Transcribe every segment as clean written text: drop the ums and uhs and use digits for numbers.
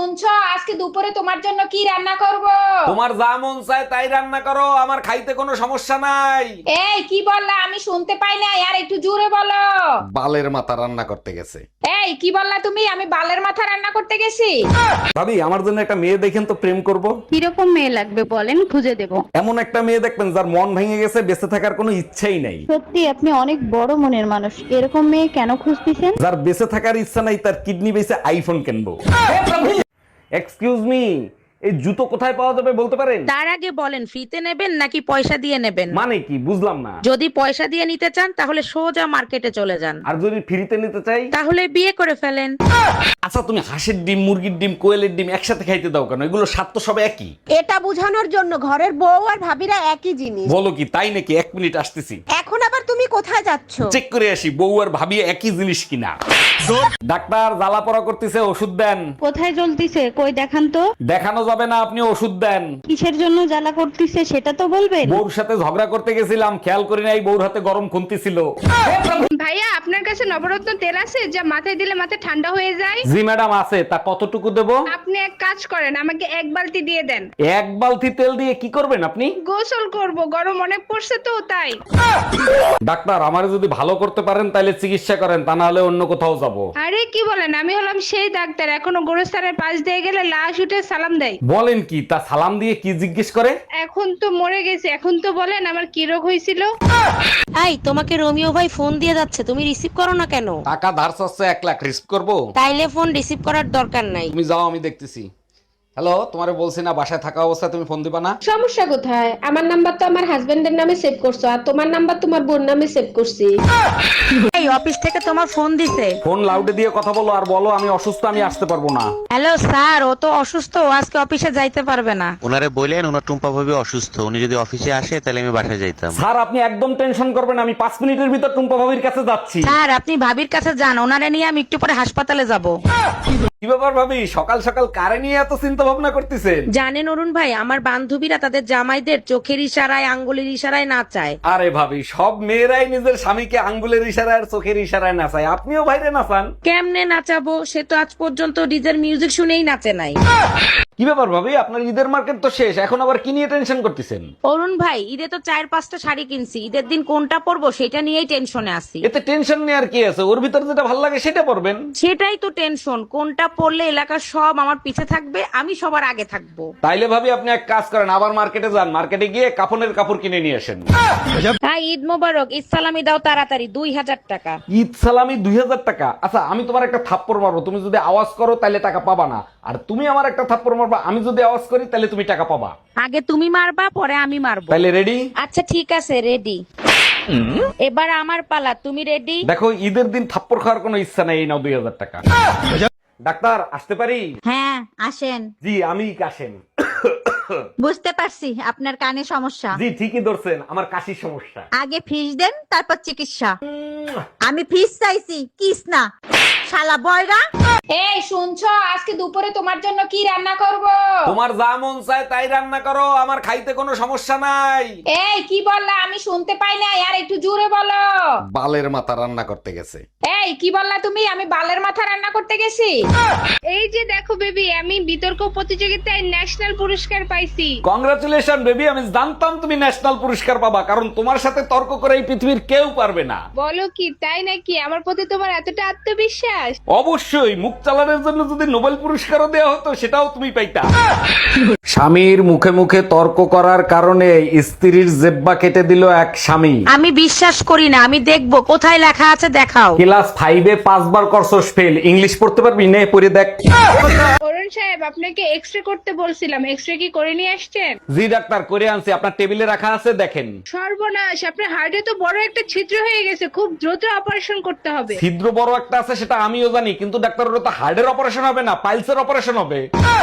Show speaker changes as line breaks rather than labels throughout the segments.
শুনছো, আজকে দুপুরে তোমার জন্য কি রান্না করব?
তোমার যা মন চায় তাই রান্না করো, আমার খাইতে কোনো সমস্যা নাই।
এই কি বললা? আমি শুনতে পাই না, আর একটু জোরে বলো।
বালের মাথা রান্না করতে গেছে।
এই কি বললা তুমি? আমি বালের মাথা রান্না করতে গেছি?
ভাবি, আমার জন্য একটা মেয়ে দেখেন তো, প্রেম করব।
কিরকম মেয়ে লাগবে বলেন, খুঁজে দেব।
এমন একটা মেয়ে দেখবেন যার মন ভেঙে গেছে, বেঁচে থাকার কোনো ইচ্ছাই নাই।
সত্যি আপনি অনেক বড় মনের মানুষ, এরকম মেয়ে কেন খুঁজতেছেন?
যার বেঁচে থাকার ইচ্ছা নাই, তার কিডনি বেঁচে আইফোন কিনবো। এক্সকিউজ মি, এই জুতো কোথায় পাওয়া যাবে বলতে পারেন?
তার আগে বলেন ফ্রিতে নেবেন নাকি পয়সা দিয়ে নেবেন?
মানে কি বুঝলাম না।
যদি পয়সা দিয়ে নিতে চান তাহলে সোজা মার্কেটে চলে যান,
আর যদি ফ্রিতে নিতে চাই?
তাহলে বিয়ে করে ফেলেন।
আচ্ছা, তুমি হাঁসের ডিম, মুরগির ডিম, কোয়েলের ডিম একসাথে খাইতে দাও কেন? এগুলো স্বাদ তো সব একই।
এটা বোঝানোর জন্য ঘরের বউ আর ভাবিরা একই জিনিস।
বলো কি তাই নাকি? এক মিনিট আসতেছি।
এখন আবার তুমি কোথায় যাচ্ছ?
চেক করে আসি বউ আর ভাবি একই জিনিস কিনা। ডাক্তার, জ্বালা পড়া করতেছে, ওষুধ দেন।
কোথায় জ্বলতিছে কই দেখান তো।
দেখানো যাবে না, আপনি ওষুধ দেন।
কিসের জন্য জ্বালা করতেছে সেটা তো বলবেন।
বউর সাথে ঝগড়া করতে গেছিলাম, খেয়াল করি নাই বউর হাতে গরম খুন্তি ছিল।
ভাইয়া আপনার কাছে নবরত্ন তেল আছে যা মাথায় দিলে মাথা ঠান্ডা হয়ে যায়?
জি ম্যাডাম আছে, তা কতটুকু দেব?
আপনি এক কাজ করেন, আমাকে এক বালতি দিয়ে দেন।
এক বালতি তেল দিয়ে কি করবেন আপনি?
গোসল করব, গরম অনেক পড়ছে তো তাই।
ডাক্তার, আমারে যদি ভালো করতে পারেন তাহলে চিকিৎসা করেন, তা না হলে অন্য কোথাও যাব।
আরে কি বলেন, আমি হলাম সেই ডাক্তার এখনো গোরস্থানের পাশ দিয়ে গেলে লাশ উঠে সালাম দেয়।
বলেন কি? তা সালাম দিয়ে কি জিজ্ঞেস করে?
এখন তো মরে গেছে, এখন তো বলেন আমার কি রোগ হয়েছিল।
এই তোমাকে রোমিও ভাই ফোন দিয়ে যাচ্ছে, তুমি রিসিভ করো না কেন?
টাকা ধার চাচ্ছে 1 লাখ, রিস্ক করবো?
তাইলে ফোন রিসিভ করার দরকার নাই।
তুমি যাও, আমি দেখতেছি। হ্যালো, তোমারে বলছি না বাসায় থাকা অবস্থায় তুমি ফোন দিবা না?
সমস্যা কোথায়? আমার নাম্বার তো আমার হাজবেন্ডের নামে সেভ করছো, আর তোমার নাম্বার তোমার বোন নামে সেভ করছি।
এই অফিস থেকে তোমার ফোন দিছে।
ফোন লাউডে দিয়ে কথা বলো, আর বলো আমি অসুস্থ, আমি আসতে পারবো না।
হ্যালো স্যার, ও তো অসুস্থ, ও আজকে অফিসে যাইতে পারবে না।
ওনারে বললেন ওনার টুম্পা ভাবি অসুস্থ, উনি যদি অফিসে আসে তাহলে আমি বাসায় যাইতাম।
স্যার, আপনি একদম টেনশন করবেন, আমি 5 মিনিটের ভিতর টুম্পা ভাবির কাছে যাচ্ছি।
স্যার আপনি ভাবির কাছে যান, ওনারে নিয়ে আমি একটু পরে হাসপাতালে যাব।
কি ব্যাপার ভাবি, সকাল সকাল কারে নিয়ে এত চিন্তা ভাবনা করতেছেন?
জানেন অরুণ ভাই, আমার বান্ধবীরা তাদের জামাইদের চোখের ইশারায় আঙ্গুলের ইশারায় নাচায়।
আরে ভাবি, সব মেয়েরাই নিজের স্বামীকে আঙ্গুলের ইশারায় আর চোখের ইশারায় নাচায়, আপনিও বাইরে নাচান।
কেমনে নাচাবো? সে তো আজ পর্যন্ত ডিজের মিউজিক শুনেই নাচে নাই।
কি ব্যাপার ভাবি, আপনার ঈদের মার্কেট তো শেষ, এখন আবার কি নিয়ে টেনশন করতেছেন?
অরুণ ভাই, ঈদে তো 4-5টা শাড়ি কিনছি, ঈদের দিন কোনটা পরবো সেটা নিয়েই টেনশনে আছি।
এতে টেনশন নেওয়ার কি আছে? ওর ভিতর যেটা ভালো লাগে সেটা পরবেন।
সেটাই তো টেনশন, কোনটা পরলে এলাকার সব আমার পিছে থাকবে, আমি সবার আগে থাকবো।
তাইলে ভাবি আপনি এক কাজ করেন, আবার মার্কেটে যান, মার্কেটে গিয়ে কাফনের কাপড় কিনে নিয়ে আসেন।
হ্যাঁ, ঈদ মোবারক, ঈদ সালামি দাও তাড়াতাড়ি, 2000 টাকা।
ঈদ সালামি 2000 টাকা? আচ্ছা, আমি তোমার একটা থাপ্পড় মারবো, তুমি যদি আওয়াজ করো তাহলে টাকা পাবা না, আর তুমি আমার একটা থাপ্পড় মারবা, আমি যদি আওয়াজ করি তাহলে তুমি টাকা পাবা।
আগে তুমি মারবা, পরে আমি মারবো।
তাইলে রেডি?
আচ্ছা ঠিক আছে, রেডি। এবার আমার পালা, তুমি রেডি?
দেখো, ঈদের দিন থাপ্পড় খাওয়ার কোনো ইচ্ছা নেই, এই নাও 2000 টাকা। ডাক্তার, আসতে পারি?
হ্যাঁ আসেন।
জি, আমি কাশেম।
বুঝতে পারছি আপনার কানে সমস্যা।
জি, ঠিকই ধরছেন, আমার কাশির সমস্যা।
আগে ফিস দেন, তারপর চিকিৎসা। আমি ফিস চাইছি, কিস না। শালা বয়রা।
এই শুনছো, আজকে দুপুরে তোমার জন্য কি রান্না করব?
তোমার যা মন চায় তাই রান্না করো, আমার খাইতে কোনো সমস্যা নাই।
এই কি বললা? আমি শুনতে পাই না, আর একটু জোরে বলো।
বালের মাথা রান্না করতে গেছে।
এই কি বললা তুমি? আমি বালের মাথা রান্না করতে গেছি?
এই যে দেখো বেবি, আমি বিতর্ক প্রতিযোগিতায় ন্যাশনাল পুরস্কার পাইছি।
কংগ্রাচুলেশন বেবি, আমি জানতাম তুমি ন্যাশনাল পুরস্কার পাবা, কারণ তোমার সাথে তর্ক করে এই পৃথিবীর কেউ পারবে না।
বলো কি, তাই নাকি? আমার প্রতি তোমার এতটা আত্মবিশ্বাস?
অবশ্যই, মুখ চালানোর জন্য যদি নোবেল পুরস্কারও দেওয়া হতো সেটাও তুমি পাইতা। স্বামীর মুখে মুখে তর্ক করার কারণে স্ত্রীর জেব্বা কেটে দিল এক স্বামী।
আমি বিশ্বাস করি না, আমি দেখবো কোথায় লেখা আছে, দেখাও।
ক্লাস 5-এ 5 বার করছস ফেল, ইংলিশ পড়তে পারবি? নে পড়ে দেখ।
অরুণ সাহেব, আপনাকে এক্সরে করতে বলছিলাম, এক্সরে কি করে নিয়ে আসছেন?
জি ডাক্তার, করে আনছি, আপনার টেবিলে রাখা আছে, দেখেন।
সর্বনাশ, আপনার হার্টে তো বড় একটা ছিদ্র হয়ে গেছে, খুব দ্রুত অপারেশন করতে হবে।
ছিদ্র বড় একটা আছে সেটা আমিও জানি, কিন্তু ডাক্তার ওটা তো হার্টের অপারেশন হবে না, পাইলসের অপারেশন হবে।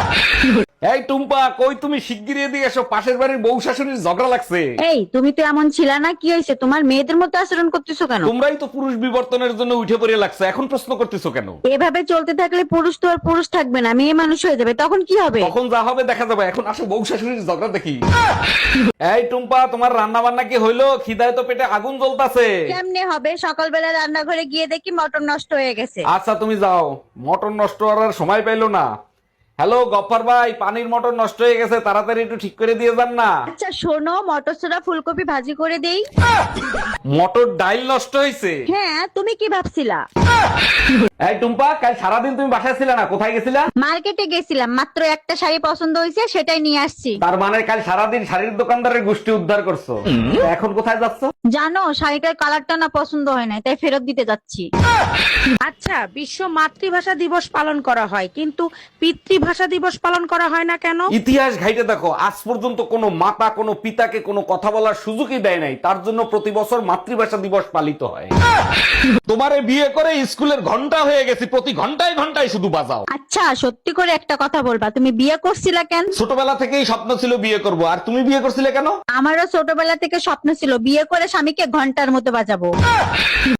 এই টুম্পা, কই তুমি? শিগগিরই এদিকে এসো, পাশের বাড়ির বউ শাশুড়ির ঝগড়া লাগছে।
এই তুমি তো এমন ছিল না, কি হয়েছে? তোমার মেয়েদের মতো আচরণ করতেছো কেন?
তোমরাই তো পুরুষ বিবর্তনের জন্য উঠে পড়ে লাগছে, এখন প্রশ্ন করতেছো কেন?
এভাবে চলতে থাকলে পুরুষ তো আর পুরুষ থাকবে না, মেয়ে মানুষ হয়ে যাবে, তখন কি হবে?
তখন যা হবে দেখা যাবে, এখন আসো বউ শাশুড়ির ঝগড়া দেখি। এই টুম্পা, তোমার রান্না বান্না কি হইলো? খিদায় তো পেটে আগুন জ্বলতাছে।
কেমনে হবে? সকালবেলা রান্নাঘরে গিয়ে দেখি মটন নষ্ট হয়ে গেছে।
আচ্ছা তুমি যাও, মটন নষ্ট করার সময় পাইলো না। হ্যালো গফফার ভাই, পানির মোটর নষ্ট হয়ে গেছে, তাড়াতাড়ি একটু ঠিক করে দিয়ে যান না।
আচ্ছা শোনো, মটরশুঁটা ফুলকপি ভাজি করে দেই।
মোটর ডাইল নষ্ট হয়েছে।
হ্যাঁ, তুমি কি ভাবছিলা?
এই টুম্পা, কাল সারাদিন তুমি বাসায় ছিলে না, কোথায় গেছিলা?
মার্কেটে গেছিলাম, মাত্র একটা শাড়ি পছন্দ হয়েছে, সেটাই নিয়ে আসছি।
তার মানে কাল সারাদিন শাড়ির দোকানদারের গোষ্ঠী উদ্ধার করছো। এখন কোথায় যাচ্ছ?
জানো, শাড়িটার কালারটা না পছন্দ হয় না, তাই ফেরত দিতে যাচ্ছি।
আচ্ছা, বিশ্ব মাতৃভাষা দিবস পালন করা হয়, কিন্তু পিতৃভাষা দিবস পালন করা হয় না কেন?
ইতিহাস ঘাইটে দেখো, আজ পর্যন্ত কোনো মাতা কোনো পিতাকে কোনো কথা বলার সুযোগই দেয় নাই, তার জন্য প্রতি বছর মাতৃভাষা দিবস পালিত হয়। তোমারে বিয়ে করে স্কুলের ঘন্টা হয়ে গেছি, প্রতি ঘন্টায় ঘন্টায় শুধু বাজাও।
আচ্ছা, সত্যি করে একটা কথা বলবা, তুমি বিয়ে করছিলা কেন?
ছোটবেলা থেকেই স্বপ্ন ছিল বিয়ে করব, আর তুমি বিয়ে করছিলে কেন?
আমারও ছোটবেলা থেকে স্বপ্ন ছিল বিয়ে করে স্বামীকে ঘন্টার মতো বাজাবো।